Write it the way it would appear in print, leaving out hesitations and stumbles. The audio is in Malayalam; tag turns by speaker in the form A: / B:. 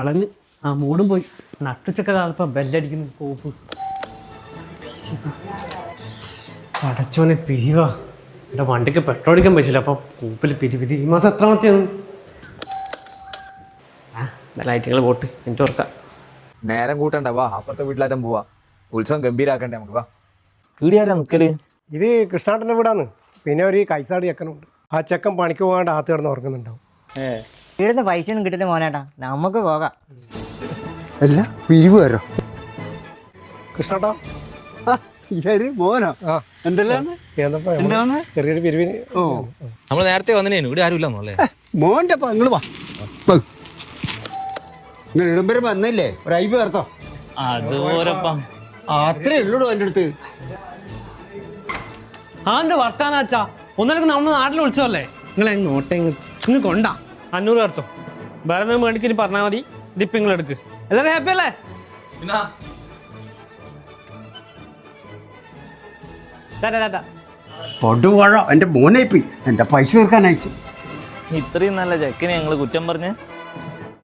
A: കളഞ്ഞ് ആ മൂടും പോയി നട്ടുച്ചക്ക കാലപ്പം ബെല്ലടിക്കുന്നു കോപ്പ് അടച്ചോനെ പിരിവാ എൻ്റെ വണ്ടിക്ക് പെട്രോൾ അടിക്കാൻ പറ്റില്ല അപ്പം കൂപ്പിൽ പിരി ഈ മാസം എത്രാമത്തെയാണ് ലൈറ്റുകൾ പോട്ട് എനിക്ക് ഓർക്കാം
B: നേരം കൂട്ടണ്ട വാ അപ്പുറത്തെ വീട്ടിലാറ്റം പോവാ ഉത്സവം ഗംഭീരാക്കണ്ടേ നമുക്ക് വാ.
C: വീടിയാരാ നിൽക്കല്?
D: ഇത് കൃഷ്ണാട്ടൻ്റെ വീടാന്ന്. പിന്നെ ഒരു കൈസാട് ചെക്കനുണ്ട്. ആ ചെക്കൻ പണിക്ക് പോകാണ്ട് ആത്ത് കിടന്ന് ഉറങ്ങുന്നുണ്ടാവും.
E: വീടിന്റെ പൈസ ഒന്നും കിട്ടില്ല മോനേട്ടാ, നമുക്ക് പോകാം.
F: അല്ല പിരിവ് വരോ
D: കൃഷ്ണാട്ടാ
F: മോനോ? എന്തെല്ലാം
D: ചെറിയൊരു പിരിവിന്.
F: ഓ
C: നമ്മൾ നേരത്തെ വന്നേനു, ഇവിടെ ആരും ഇല്ലെന്നല്ലേ?
F: മോന്റെ നിങ്ങൾ വാ, നിങ്ങൾ ഇടുമ്പരം വന്നില്ലേ, ഒരു ഐബ് ചേർത്തോ.
C: അതുപോരപ്പം
F: അത്രേ ഉള്ളൂ എൻ്റെ അടുത്ത്.
A: ആ എന്താ വർത്താനാച്ചാ, ഒന്നിടക്ക് നമ്മുടെ നാട്ടിൽ ഉത്സവല്ലേ, നിങ്ങൾ നോട്ടെ ഇങ്ങ് കൊണ്ടാ 500 കടത്തോ. വേറെ എന്തെങ്കിലും മേടിക്കിനി പറഞ്ഞാൽ മതി, ഇതിപ്പം നിങ്ങൾ എടുക്ക്. എല്ലാവരും ഹാപ്പി അല്ലേ?
F: പൊടുവാഴ എൻ്റെ മോനേപ്പി എൻ്റെ പൈസ തീർക്കാനായിട്ട്.
C: ഇത്രയും നല്ല ചെക്കിനെ ഞങ്ങൾ കുറ്റം പറഞ്ഞ്